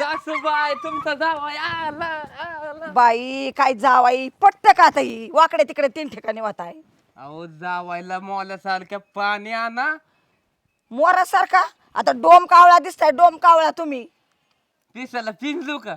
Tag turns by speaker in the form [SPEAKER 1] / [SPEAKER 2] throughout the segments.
[SPEAKER 1] सासूबाई तुमचा जावाई आला.
[SPEAKER 2] बाई काय जावाई पटत का आता ही वाकडे तिकडे 3 ठिकाणी वाहत आहे.
[SPEAKER 1] अहो जावायला मोल्यासारख्या पाणी आणा.
[SPEAKER 2] मोरासारखा आता डोम कावळा दिसताय डोम कावळा तुम्ही.
[SPEAKER 1] पिसाला पिंजू का?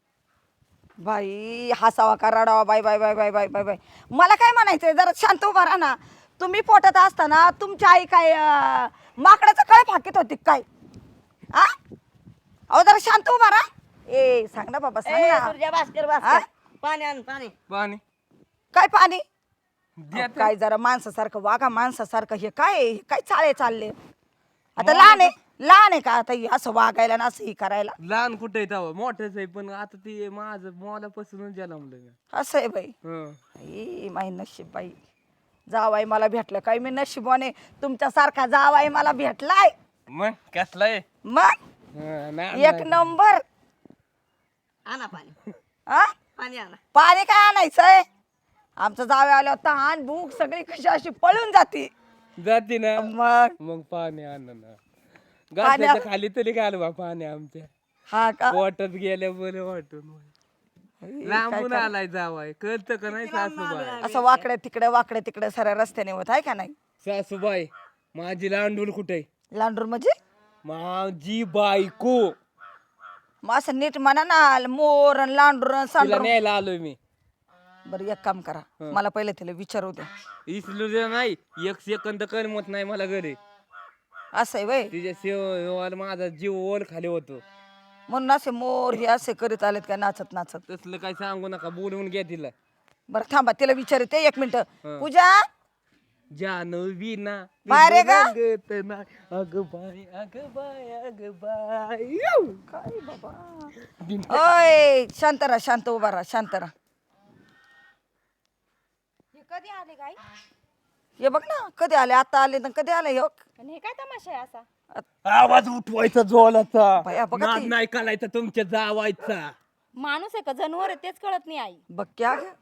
[SPEAKER 2] बाई हसावा का रडावा बाई बाई बाई बाई बाई बाई बाई मला काय म्हणायचंय जरा शांत उभा राहा ना. तुम्ही पोटात असताना तुमची आई काय माकडाचं कळ फाकीत होती काय आ अहो जरा शांत उभा राहा. ए सांग ना बाबा सांग ना.
[SPEAKER 3] तुझ्या भास्कर
[SPEAKER 2] हा?
[SPEAKER 3] भास्कर पाणी आण पाणी.
[SPEAKER 1] पाणी
[SPEAKER 2] काय पाणी
[SPEAKER 1] द्या
[SPEAKER 2] अहो, काय जरा माणसासारखं वागा माणसासारखं हे काय आहे? हे काय चाळे चालले आता लहान आहे का आता हे असं वागायला ना असं हे करायला.
[SPEAKER 1] लहान कुठे आहे मोठंच आहे पण आता ते माझं मोलापासूनच जन्मलं मी.
[SPEAKER 2] असं आहे बाई. आई माई नशीब बाई जावाई मला भेटलं काय मी नशिबाने तुमच्यासारखा जावाई मला भेटलाय.
[SPEAKER 1] मग कसला आहे?
[SPEAKER 2] मग एक नंबर.
[SPEAKER 3] आणा पाणी
[SPEAKER 2] हा
[SPEAKER 3] पाणी आणा.
[SPEAKER 2] पाणी काय आणायचंय आमचं जावे आलं तहान भूक सगळी कशी अशी पळून जाते.
[SPEAKER 1] जाते ना
[SPEAKER 2] मग
[SPEAKER 1] मग पाणी आण ना. गाठ्याच्या खाली तरी घाल बा पाणी आमच्या
[SPEAKER 2] हा का
[SPEAKER 1] पोटात गेल्या बरं वाटून. लांबून आलाय जावाय कळतं का नाही सासूबाई?
[SPEAKER 2] असं वाकडे तिकडे साऱ्या रस्त्याने होत आहे का नाही.
[SPEAKER 1] सासूबाई माझी लांडूल कुठे?
[SPEAKER 2] लांडूर म्हणजे
[SPEAKER 1] माझी बायको.
[SPEAKER 2] मग असं नीट म्हणा ना मोर अन लांडूर अन
[SPEAKER 1] तिला
[SPEAKER 2] सांडूर.
[SPEAKER 1] न्यायला आलोय मी.
[SPEAKER 2] बरं एक काम करा मला पहिले तिला विचारू द्या.
[SPEAKER 1] इसलू दे नाही एक सेकंद करमत नाही मला घरी.
[SPEAKER 2] असं आहे वय
[SPEAKER 1] तिच्या सेवाला माझा जीव ओल खाली होतो.
[SPEAKER 2] म्हणून असे मोर हे असे करीत आलेत का नाचत नाचत.
[SPEAKER 1] तसलं काही सांगू नका बोलवून घ्या तिला.
[SPEAKER 2] बरं थांबा तिला विचारते 1 मिनिट. पूजा
[SPEAKER 1] जानवी ना
[SPEAKER 2] बाहेर आहे का?
[SPEAKER 1] अग बाय अग बाय अग बाय.
[SPEAKER 2] काय बाबा ओय शांत राहा शांत उभा राहा शांत राहा.
[SPEAKER 4] कधी आले काय
[SPEAKER 2] हे बघ ना कधी आले आता आले ना कधी आले हे बघ.
[SPEAKER 4] आणि हे काय तमाशा आहे असा?
[SPEAKER 1] आवाज उठवायचा जोलाचा.
[SPEAKER 2] बाया, बघा
[SPEAKER 1] नाद
[SPEAKER 2] ती.
[SPEAKER 1] नाही करायचा तुमच्या जावायचा.
[SPEAKER 4] माणूस आहे का जनावर आहे तेच कळत नाही आई.
[SPEAKER 2] बघ क्या ग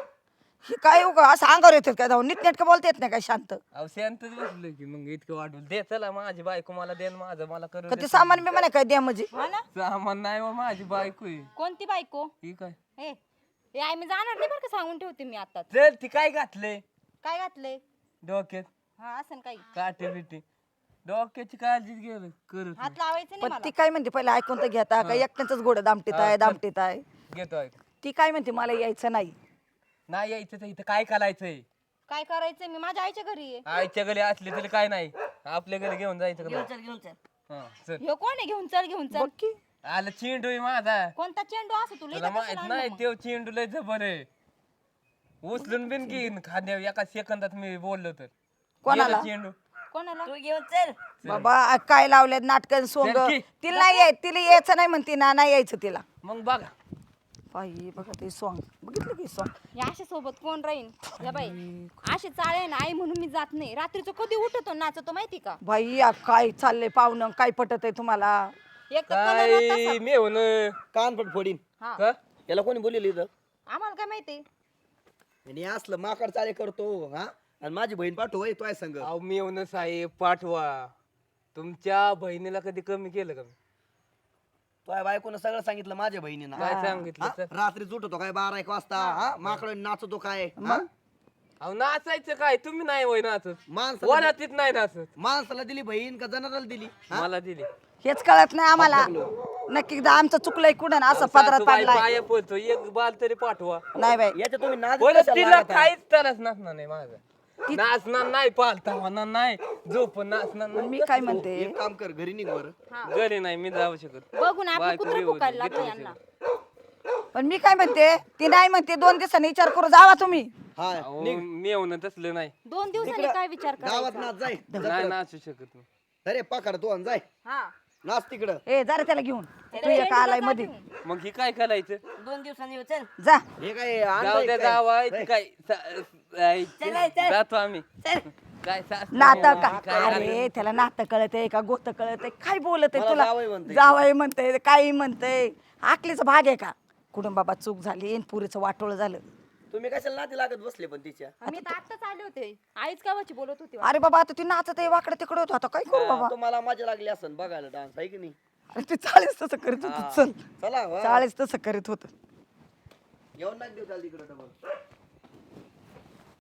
[SPEAKER 2] हे काय उगा असं अंगावर येतात काय जाऊन नीटनेटकं बोलता येत नाही काय शांत.
[SPEAKER 1] अहो शांतच बसलो की मग इतकं वाटून दे चला माझी बायको मला दे न माझं मला करू
[SPEAKER 2] कधी सामान मी म्हणे काय द्या म्हणजे.
[SPEAKER 4] हा ना
[SPEAKER 1] सामान नाही हो माझी बायको आहे.
[SPEAKER 4] कोणती बायको?
[SPEAKER 1] ही काय
[SPEAKER 4] हे हे आई मी जाणार नाही बरं का सांगून ठेवते मी आताच.
[SPEAKER 1] चल ती काय घातले
[SPEAKER 4] काय घातलंय?
[SPEAKER 1] डोक्यात
[SPEAKER 4] हा असं काही
[SPEAKER 1] काटे बिटे डोक्याची काळजी गेलं करत
[SPEAKER 4] हात लावायचं नाही
[SPEAKER 2] पण
[SPEAKER 4] मला.
[SPEAKER 2] ती काय म्हणते पहिले ऐकून तर घेता का एकट्याच गोड दामटीत आहे दामटीत आहे.
[SPEAKER 1] घेतो ऐक.
[SPEAKER 2] ती काय म्हणते मला यायचं नाही.
[SPEAKER 1] नाही यायचं तर इथं काय करायचंय?
[SPEAKER 4] काय करायचंय मी माझ्या आईच्या घरी आहे.
[SPEAKER 1] आईच्या घरी असली तरी काय नाही आपल्या घरी घेऊन जायचं का
[SPEAKER 3] घेऊन
[SPEAKER 1] नाही?
[SPEAKER 3] चल घेऊन चल.
[SPEAKER 1] हा, चल
[SPEAKER 4] ह्यो कोण आहे घेऊन चल घेऊन चल?
[SPEAKER 2] बघ की
[SPEAKER 1] आला चेंडू आहे माझा.
[SPEAKER 4] कोणता चेंडू असं तुला
[SPEAKER 1] तुला
[SPEAKER 4] इथं
[SPEAKER 1] माहित
[SPEAKER 4] कशाला
[SPEAKER 1] नाही
[SPEAKER 4] आणलं मग?
[SPEAKER 1] तेव चेंडू लय जबर आहे. उचलून बिन घेईन खाद्या एका सेकंदात मी बोललो तर.
[SPEAKER 2] कोणाला?
[SPEAKER 1] गेलं चेंडू
[SPEAKER 4] कोणाला?
[SPEAKER 3] तू घेऊन चल.
[SPEAKER 2] बाबा काय लावले नाटक सोंग
[SPEAKER 1] चल की.
[SPEAKER 2] तिला नाही तिला यायचं नाही म्हणते ना नाही यायचं तिला.
[SPEAKER 1] मग बघा
[SPEAKER 2] बाई बघा ते सॉंग बघितलं की सॉंग.
[SPEAKER 4] या अशा सोबत कोण राहीन? या बाई अशी चाळे ना आई म्हणून मी जात नाही. रात्रीचं कधी उठतो नाचतो माहिती का?
[SPEAKER 2] बाई या काय चाललंय पाहुणं काय पटत आहे तुम्हाला.
[SPEAKER 4] एक तर कलर होता
[SPEAKER 1] काय
[SPEAKER 4] तसा.
[SPEAKER 1] मी होऊन
[SPEAKER 5] कानपट फोडीन.
[SPEAKER 4] हा
[SPEAKER 1] का?
[SPEAKER 5] याला कोणी बोललेलं इथं
[SPEAKER 4] आम्हाला काय माहिती?
[SPEAKER 5] आणि हे असलं माकड चाले करतो हा आणि माझी बहीण पाठव होय तोय संग.
[SPEAKER 1] अहो मी येऊन साहेब पाठवा. तुमच्या बहिणीला कधी कमी केलं का मी?
[SPEAKER 5] तोय बायकोनं सगळं सांगितलं माझ्या बहिणीनं.
[SPEAKER 1] काय सांगितलं
[SPEAKER 5] हा?
[SPEAKER 1] तर?
[SPEAKER 5] रात्री उठतो काय 12-1 वाजता हा माकड नाचतो काय हा?
[SPEAKER 1] अहो नाचायचं काय तुम्ही नाही होय नाचत.
[SPEAKER 5] माणसाला
[SPEAKER 1] वरातीत नाही नाचत.
[SPEAKER 5] माणसाला दिली बहीण का जनावराला दिली हा?
[SPEAKER 1] मला दिली.
[SPEAKER 2] हेच कळत नाही आम्हाला नक्की आमचं चुकलंय कुठं ना असं पदरात
[SPEAKER 1] सासूबाई
[SPEAKER 2] पडलाय.
[SPEAKER 1] पाया पडतो एक बाल तरी पाठवा.
[SPEAKER 2] नाही बाई
[SPEAKER 5] याच्या तुम्ही नाद
[SPEAKER 1] बोल
[SPEAKER 5] कशाला
[SPEAKER 1] तिला
[SPEAKER 5] लागत आहे?
[SPEAKER 1] काहीच तरच नाचणार नाही माझं. नाचणार नाही पालता होणार नाही झोप नाचणार नाही.
[SPEAKER 2] मी काय म्हणते
[SPEAKER 5] एक काम कर घरी निघ बरं.
[SPEAKER 1] घरी नाही मी जाऊ शकत.
[SPEAKER 4] बघून आपलं
[SPEAKER 1] बायको
[SPEAKER 4] कुत्र
[SPEAKER 1] बी होती,
[SPEAKER 4] फुकायला लागलं
[SPEAKER 1] घेतलं
[SPEAKER 4] यांना.
[SPEAKER 2] पण मी काय म्हणते ती नाही म्हणते 2 दिवसांनी विचार करू जावा तुम्ही.
[SPEAKER 5] हा
[SPEAKER 1] अहो, मी येऊन तसलं नाही
[SPEAKER 4] 2 दिवसांनी काय विचार
[SPEAKER 5] गावात
[SPEAKER 4] करायचा?
[SPEAKER 5] नाच जाय.
[SPEAKER 1] नाही नाचू शकत मी.
[SPEAKER 5] अरे पाकड तू आणि जाय
[SPEAKER 4] हा
[SPEAKER 5] नाच तिकडं.
[SPEAKER 2] ए जरा त्याला घेऊन तू एक आलाय मध्ये
[SPEAKER 1] मग ही काय करायचं?
[SPEAKER 3] 2 दिवसांनी येऊ चल.
[SPEAKER 2] जा.
[SPEAKER 5] हे काय
[SPEAKER 1] जाऊ
[SPEAKER 5] आणलंय
[SPEAKER 1] द्या
[SPEAKER 5] काय?
[SPEAKER 1] जावा
[SPEAKER 5] जाय.
[SPEAKER 1] काय
[SPEAKER 3] चल.
[SPEAKER 1] जातो आम्ही. काय
[SPEAKER 2] नातं का अरे त्याला नातं कळत आहे का गोत कळत आहे काय बोलत आहे
[SPEAKER 5] मला
[SPEAKER 2] तुला.
[SPEAKER 5] जावई म्हणतंय.
[SPEAKER 2] जावई म्हणतंय काही म्हणतंय आकलीचा भाग आहे का. कुठून बाबा चूक झाली आणि पुरीचं वाटोळ झालं.
[SPEAKER 5] तुम्ही कशाला नाती लागत बसले पण तिच्या
[SPEAKER 4] मी तर आत्ताच आले होते. आईच कावाची बोलत होती.
[SPEAKER 2] अरे बाबा आता ती नाचत आहे वाकडे तिकडे होतो आता काय करू बाबा.
[SPEAKER 5] तुम्हाला मजा लागली असन बघायला डान्स आहे की नाही.
[SPEAKER 2] अरे ते चाळीस तसं करीत होत चल
[SPEAKER 5] चला वा.
[SPEAKER 2] चाळीस तसं करीत होत
[SPEAKER 5] येऊन नाही देऊ त्याला तिकडे डबल